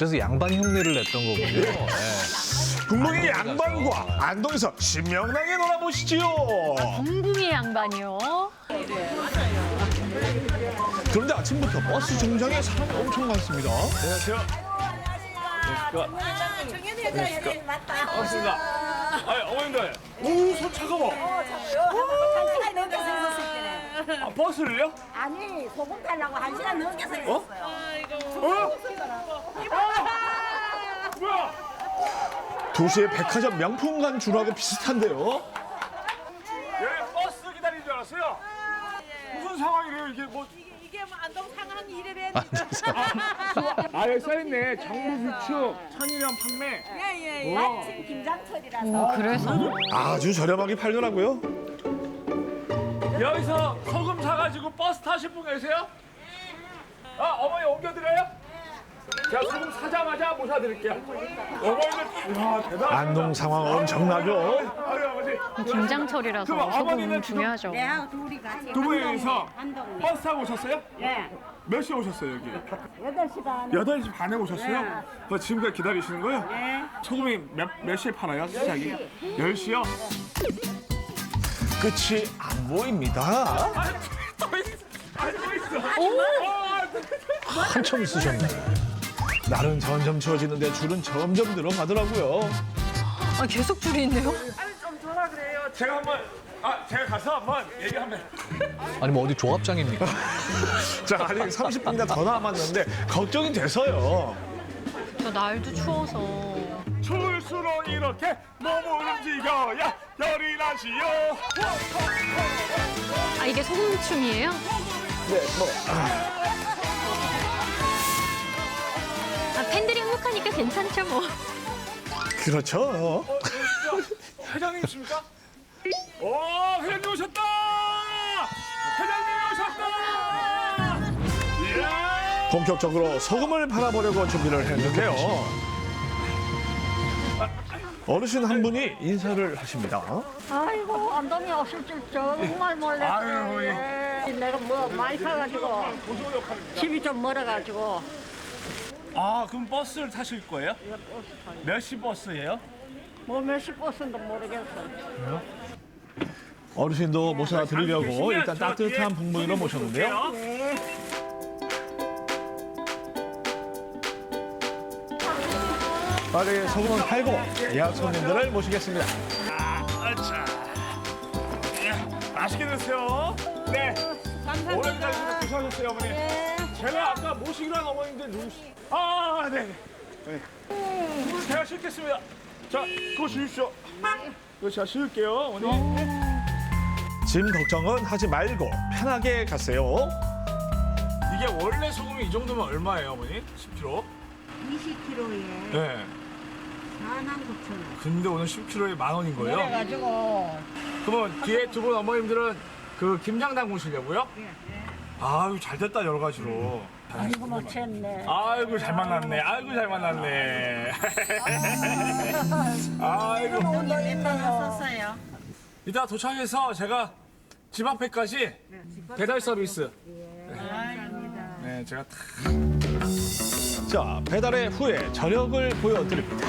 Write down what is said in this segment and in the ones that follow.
그래서 양반 흉내를 냈던 거군요. 네. 분명히 양반과 안동에서 신명나게 놀아보시지요. 궁금해 양반이요. 그런데 아침부터 버스 정류장에 사람이 엄청 많습니다. 안녕하세요. 반갑습니다. 아니, 어머님들. 오, 손 차가워. 한 시간 넘게서 있었을 아, 버스를요? 아니 소금 달라고 한 시간 넘게서 있었어요. 뭐야? 2시에 백화점 명품관 줄하고 비슷한데요. 예, 버스 기다리는 줄 알았어요. 무슨 상황이래요, 이게 뭐. 이게 뭐 안동 상황 이래래. 아, 여기 써있네. 정부 비축, 천일염 판매. 예예. 마침 김장철이라서. 그래서 아주 저렴하게 팔더라고요. 여기서 소금 사가지고 버스 타실 분 계세요? 아, 어머니 옮겨드려요? 제가 소금 사자마자 모셔드릴게요. 어머니들, 이야, 대단하다. 안동 상황 엄청나죠. 아유, 아버지. 김장철이라서 그럼 어머니는 소금 중요하죠. 내하고 둘이 같이 두 분이서 한동. 버스 타고 오셨어요? 예. 몇 시에 오셨어요, 여기? 8시 반. 8시 반에 오셨어요? 네. 그 지금까지 기다리시는 거예요? 네. 소금이 몇 시에 팔아요? 시작이? 10시요? 끝이 안 보입니다. 아, 또 있어. 한참 있으셨네. 날은 점점 추워지는데 줄은 점점 늘어가더라고요. 아, 계속 줄이 있네요. 아니, 좀 전화 그래요. 제가 한번, 제가 가서 한번 얘기 한번. 아니 뭐 어디 조합장입니까? 자, 아직 30분이나 더 남았는데 걱정이 돼서요. 저 날도 추워서. 추울수록 이렇게 몸을 움직여야 열이 나시요. 아, 이게 소금춤이에요? 아, 팬들이 행복하니까 괜찮죠 뭐. 그렇죠. 회장님이십니까? 오, 회장님 오셨다! 회장님이 오셨다! 이야! 본격적으로 소금을 팔아보려고 준비를 했는데요. 어르신 한 분이 인사를 하십니다. 아이고 안동에 오실 줄 정말 몰랐어요. 아유, 예. 내가 뭐 많이 사가지고 집이 좀 멀어가지고. 아, 그럼 버스를 타실 거예요? 몇 시 버스예요? 뭐 몇시 버스인지 모르겠어. 어르신도 모셔 드리려고 일단 저 뒤에 따뜻한 분무기로 모셨는데요. 네. 빨리 소금을 팔고 예약 손님들을 모시겠습니다. 아차. 맛있게 드세요. 네. 오래 기다리셔서 고생하셨어요, 어머니. 제가 아까 모시기로 한 어머님들 누구시? 아, 네. 네. 제가 싣겠습니다. 자, 그거 주십시오. 이거 제가 싣을게요, 어머니. 짐 걱정은 하지 말고 편하게 가세요. 이게 원래 소금이 이 정도면 얼마예요, 어머니? 10kg? 20kg에 네. 49,000원. 근데 오늘 10kg에 10,000원인 거예요? 그래가지고 그러면 뒤에 두 분 어머님들은 그 김장 담그시려고요? 아유, 잘 됐다, 여러 가지로. 아이고 못 챘네. 아이고, 잘 만났네. 아이고, 잘 만났네. 아이고. 썼어요. 이따 도착해서 제가 집 앞에까지 배달 서비스. 네, 제가 다. 자, 배달의 후에 저력을 보여드립니다.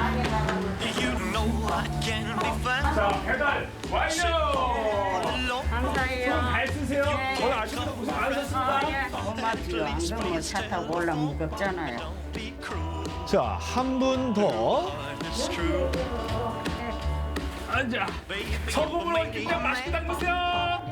자, 배달 완료! 감사해요. 잘 쓰세요. 오늘 아침부터 고생 많으셨습니다. 고맙죠. 안동에 차 타고 올라면 무겁잖아요. 자, 한 분 더. 앉아. 소금으로 김장 맛있게 담그세요.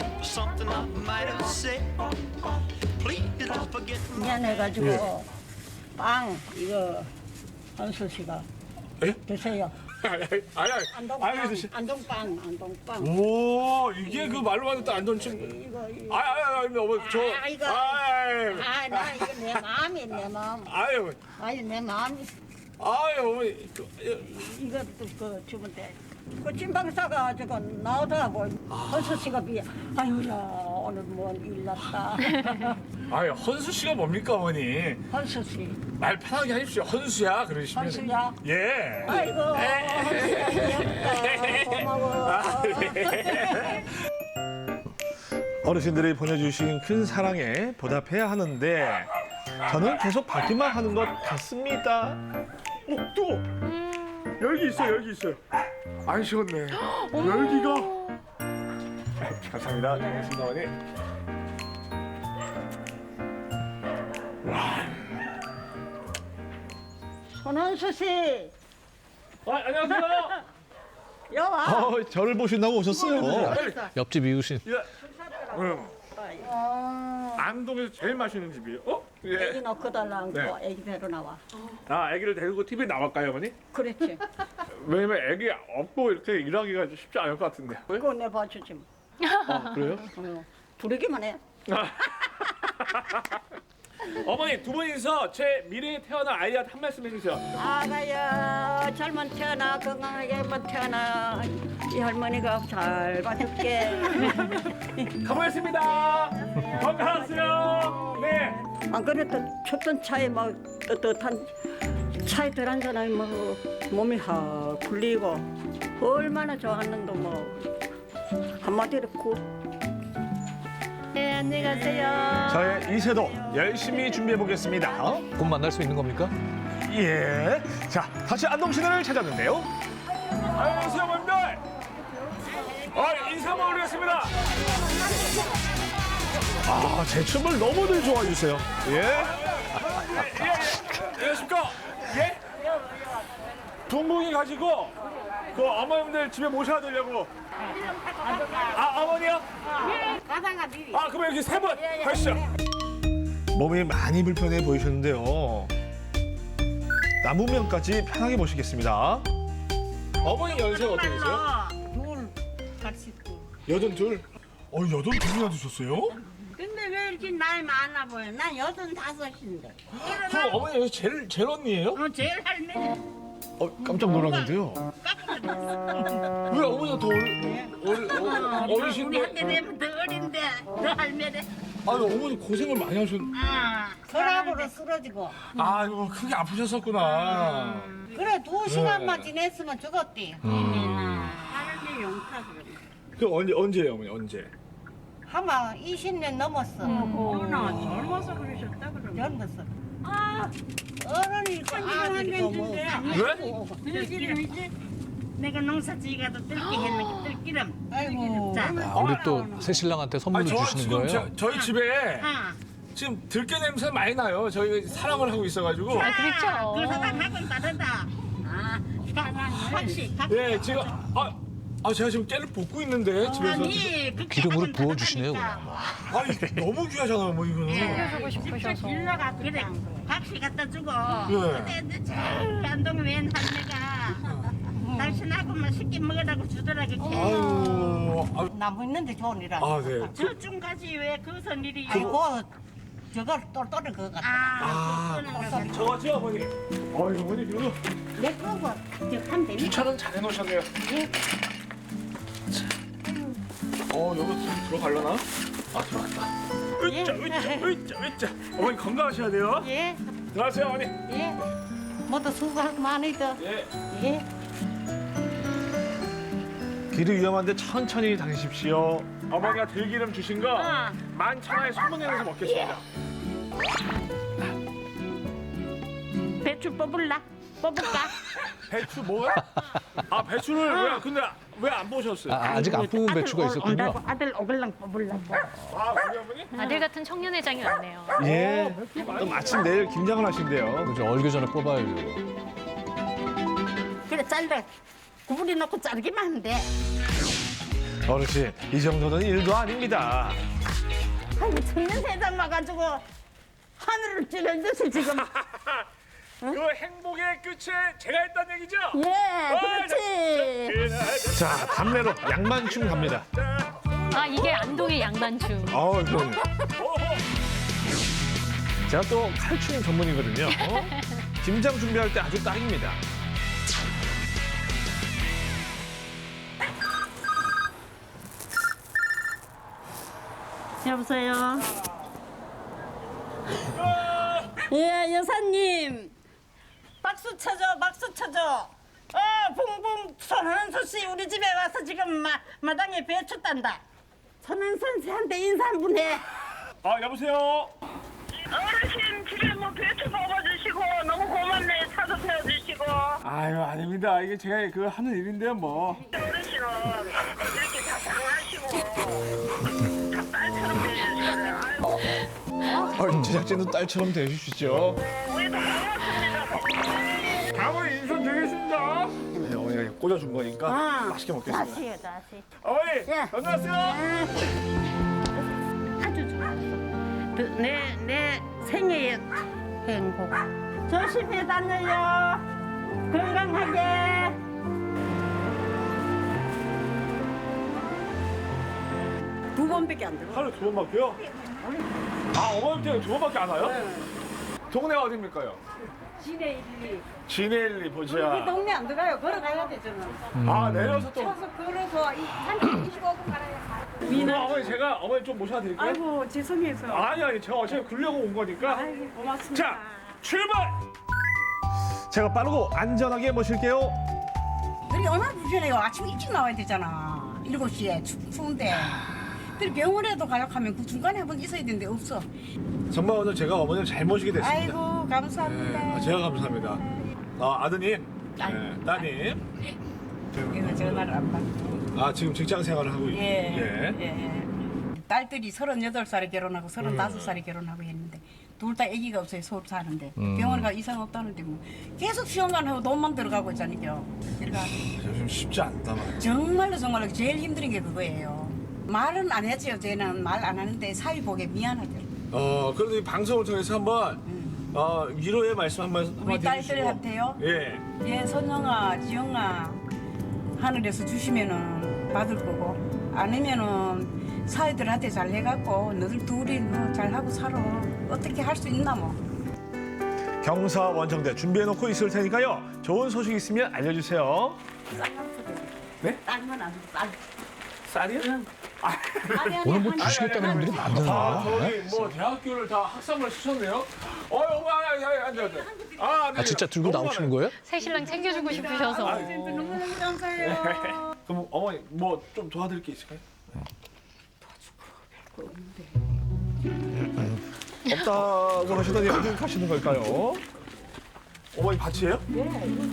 미안해가지고 빵 이거 한수 씨가 예? 드세요. 아니, 드시. 안동빵. 오, 이게 그 말로만 듣던 안전침. 이거. 아니, 어머니, 저. 아, 이거. 나 이거 내 마음이 내 마음. 아유, 아니 내 마음이 어머니. 이것도 그 주면 돼. 그 찐빵 싸가지고 나오더라고. 한수 씨가 아유야 오늘 뭔일 났다. 아유, 헌수 씨가 뭡니까, 어머니? 한수 씨. 말 편하게 하십시오. 헌수야, 그러시면. 한수야. 예. 아이고 한수야 고마워. 어르신들이 보내주신 큰 사랑에 보답해야 하는데 저는 계속 받기만 하는 것 같습니다. 또 열기 있어요, 열기 있어요. 안 식었네. 열기가. 감사합니다. 고맙습니다, 어머니. 손원수 씨, 안녕하세요. 여와. 저를 보신다고 오셨어요. 옆집 이웃인. 예. 안동에서 제일 맛있는 집이에요. 애기 예. 넣고 달라는 네. 거 애기 배로 나와. 아, 아기를 데리고 TV에 나갈까요, 어머니? 그렇지. 왜냐면 아기 없고 이렇게 일하기가 쉽지 않을 것 같은데. 그거 내 봐주지 뭐. 아, 그래요? 부르기만 해. 어머니 두 분이서 제 미래에 태어날 아이한테 한 말씀 해주세요. 아가야 잘만 태어나 건강하게만 태어나 이 할머니가 잘 봐줄게. 가보겠습니다. 건강하세요. 네. 안 그래도 쳤던 차에 막 떳떳한 차에 들어앉아나면 뭐 몸이 확 풀리고 얼마나 좋았는데 뭐 한마디로 고. 네 안녕히 가세요. 저의 이세도 열심히 준비해 보겠습니다. 곧 만날 수 있는 겁니까? 예. 자, 다시 안동 시내를 찾았는데요. 안녕하세요, 어머님들. 인사 한번 올리겠습니다. 제 춤을 너무들 좋아해 주세요. 예. 안녕하십니까? 예? 둥둥이 가지고 그 어머님들 집에 모셔야 되려고. 어머니요? 가다가 미리. 그럼 이렇게 세 번 가시죠. 몸이 많이 불편해 보이셨는데요. 남으면까지 편하게 모시겠습니다. 어머니 연세가 어떻게 되세요? 여든 둘. 82이나 드셨어요? 근데 왜 이렇게 나이 많아 보여? 난 85인데. 그럼 어머니 여기 제일 언니예요? 제일 할머니. 깜짝 놀랐는데요. 왜 어머니가 더 우리 어리신데? 한테 되면 더 어린데, 더 할매래. 아니 어머니 고생을 많이 하셨. 서랍으로 쓰러지고. 아이고 크게 아프셨었구나. 그래, 2시간만 지냈으면 죽었대. 할매 용타 그래. 그 언제예요 어머니 언제? 아마 20년 넘었어. 누나 젊어서 그러셨다 그러면. 젊었어. 어른이 한지는 준대. 왜? 들기름이지? 내가 농사지가도 뜰기 했는 게 들기름. 아이고. 자, 우리 또 새신랑한테 선물로 주시는 거예요? 저희 집에 아, 지금 들깨 냄새 많이 나요. 저희 사랑을 하고 있어가지고. 그렇죠. 그 사람하고는 다르다. 사랑을. 확실히. 예 지금 제가 지금 깨를 볶고 있는데 집에서. 아니, 그 기름으로 깨하고는 부어주시네요, 다르다니까. 그냥. 아니 너무 귀하잖아요 뭐 이거는. 해주고 싶으셔서. 빌려가 그래. 박씨 갖다 주고. 예. 근데 제일 안동 웬 할매가 당신하고만 쉽게 먹으라고 주더라고. 아유. 나무 있는데 좋으니라. 네. 저쯤까지 왜 그 선일이. 아이고 저걸 똘똘한 거 같아. 그거는 저거죠, 어머니? 어머니 이거 내 거고. 저한 대미. 주차는 잘 해놓으셨네요. 여기 좀 들어갈려나? 들어갔다. 으짜. 어머니 건강하셔야 돼요. 예, 들어가세요, 어머니. 예. 모두 수고하고 많이들. 예. 예. 길이 위험한데 천천히 다니십시오. 어머니가 들기름 주신 거 만천하에 소문내면서 먹겠습니다. 배추 뽑을까? 배추 뭐야? 배추를 왜? 근데 왜 안 보셨어요? 아직 안 뽑은 배추가 있었군요. 아들 오글랑 뽑으려고. 우리 어머니? 아들 같은 청년회장이 왔네요. 예. 또 마침 내일 김장을 하신대요. 그죠, 얼기 전에 뽑아야죠. 그래 잘라. 구부리 놓고 자르기만 하면 돼. 어르신 이 정도는 일도 아닙니다. 아이고 청년 세상 와가지고 하늘을 찌를 듯이 지금. 그 행복의 끝에 제가 했다는 얘기죠? 예, 그렇지. 자 담내로 양만충 갑니다. 이게 안동의 양만춤. 그럼. 제가 또 칼춤 전문이거든요. 김장 준비할 때 아주 딱입니다. 여보세요. 예, 여사님. 박수 쳐줘, 박수 쳐줘. 붕붕 손은수 씨 우리 집에 와서 지금 마당에 배추 딴다. 손은수 씨한테 인사 한 분 해. 여보세요. 어르신 집에 아유 아닙니다. 이게 제가 그 하는 일인데요 뭐. 어르신은 이렇게 다 장하시고 다 딸처럼 되시잖아요. 아이고, 제작진도 딸처럼 대해주시죠. 우리도 고맙습니다. 다음은 인선 드리겠습니다. 네, 어머니가 꽂아준 거니까 맛있게 먹겠습니다. 다시요, 다시. 어머니 예. 건강하세요. 아주 좋았어. 내 생애의 행복. 조심히 다녀요. 건강하게. 두 번밖에 안 들어. 하루 2번밖에요? 아 어머님 때문에 2번밖에 안 와요? 동네가 어딥니까요? 지네 일이. 진해일리 우리 보자. 동네 안 들어가요. 걸어가야 되잖아. 아 내려서 또. 쳐서 걸어서 한 25분 가라야 그럼 어머니 제가 어머니 좀 모셔드릴까요? 아이고 죄송해서. 아니 제가 어차피 굴려고 온 거니까. 아이고 고맙습니다. 자 출발. 제가 빠르고 안전하게 모실게요. 그게 얼마나 불편해요. 아침 일찍 나와야 되잖아. 7시에 추운데. 그리고 병원에도 가려하면 그 중간에 한 번 있어야 되는데 없어. 정말 오늘 제가 어머니를 잘 모시게 됐습니다. 아이고 감사합니다. 네, 제가 감사합니다. 아드님, 네, 따님. 이거 전화를 안 받고. 아 지금 직장 생활을 하고 있고. 예. 딸들이 38살에 결혼하고 35살에 결혼하고 했는데 둘 다 아기가 없어요. 서울 사는데 병원 가 이상 없다는데 뭐 계속 시험만 하고 돈만 들어가고 있잖아요. 그러니까 요즘 쉽지 않다 말이야. 정말로 제일 힘든 게 그거예요. 말은 안 했죠. 쟤는 말 안 하는데 사위 보기에 미안하더라고요. 그래도 이 방송을 통해서 한번 위로의 말씀 한마디 우리 해주시고. 딸들한테요. 예. 예, 선영아, 지영아, 하늘에서 주시면은 받을 거고, 아니면은 사위들한테 잘 해갖고, 너들 둘이 뭐 잘하고 살아. 어떻게 할 수 있나 뭐. 경사 원정대 준비해놓고 있을 테니까요. 좋은 소식 있으면 알려주세요. 딸만 안 돼, 딸. 쌀이요? 오늘 뭐 주시겠다는 분들이 많잖아. 저기 뭐 대학교를 다 학사를 시켰네요. 어머, 앉아. 아 진짜 들고 나오시는 거예요? 새 신랑 챙겨주고 싶으셔서. 너무너무 감사해요. 그럼 어머니 뭐 좀 도와드릴 게 있을까요? 없다고 하시더니 어디 가시는 걸까요? 어머니 밭이에요? 네.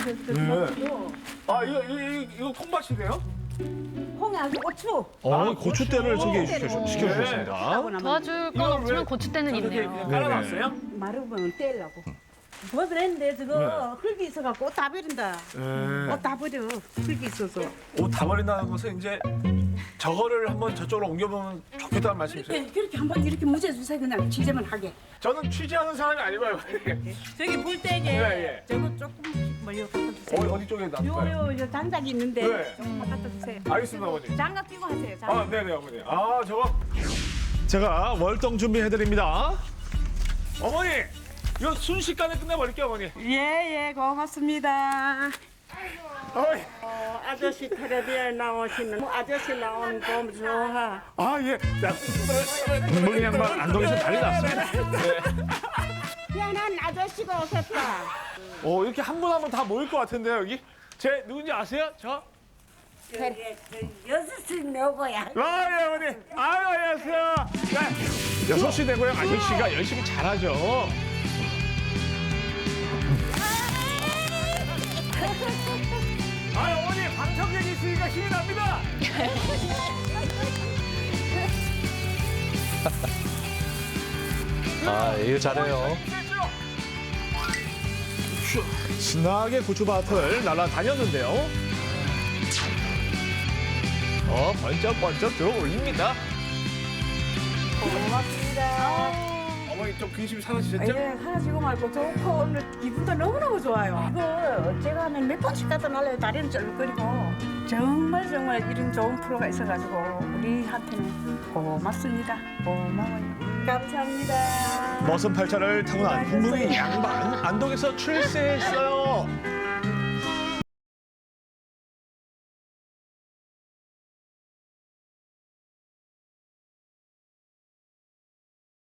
아 이거 콩밭이네요? 홍이 아주 고추. 고추대를 시켜주셨습니다. 도와줄 건 없지만 고추대는 있네요. 그냥 깔아놨어요? 마르면 떼려고. 뭐 그랬는데 저거 흙이 있어갖고 옷 다 버린다. 네. 옷 다 버려. 흙이 있어서. 옷 다 버린다는 것은 이제 저거를 한번 저쪽으로 옮겨보면 좋겠다는 말씀이세요? 그렇게 한번 이렇게 무죄주세요. 그냥 취재만 하게. 저는 취재하는 사람이 아니고요. 저기 불대게 예. 저거 조금 멀리 갖다 주세요. 어디 쪽에 놔둘까요? 요 장작이 있는데 네. 조금 갖다 주세요. 알겠습니다, 어머니. 장갑 끼고 하세요. 장갑. 아, 네네, 어머니. 아, 저거. 제가 월동 준비해드립니다. 어머니! 이거 순식간에 끝내버릴게요, 어머니. 예, 고맙습니다. 어머니. 아저씨 텔레비에 나오시는 아저씨 나오는 거 좋아. 아, 예. 자, 물량만 안동에서 난리 났습니다. 희한한 아저씨가 오셨다. 이렇게 한 분 한 분 다 모일 것 같은데요, 여기? 제 누군지 아세요? 저? 여섯시 내고야. 예, 어머니. 아유, 안녕하세요. 네. 6시 되고요. 아저씨가 열심히 잘하죠. 어머니, 방청객이 있으니까 힘이 납니다. 일 잘해요. 신나게 고추밭을 날아다녔는데요. 번쩍번쩍 들어올립니다. 어머니 좀 근심이 사라지셨죠? 예, 사라지고 말고 좋고 오늘 기분도 너무너무 좋아요. 이거 제가 하면 몇 번씩 갖다 날려요. 다리는 쩔거리고. 정말 이런 좋은 프로가 있어가지고 우리한테는 고맙습니다. 고마워요. 감사합니다. 머슴 팔차를 타고 난 국민의 양반 안동에서 출세했어요.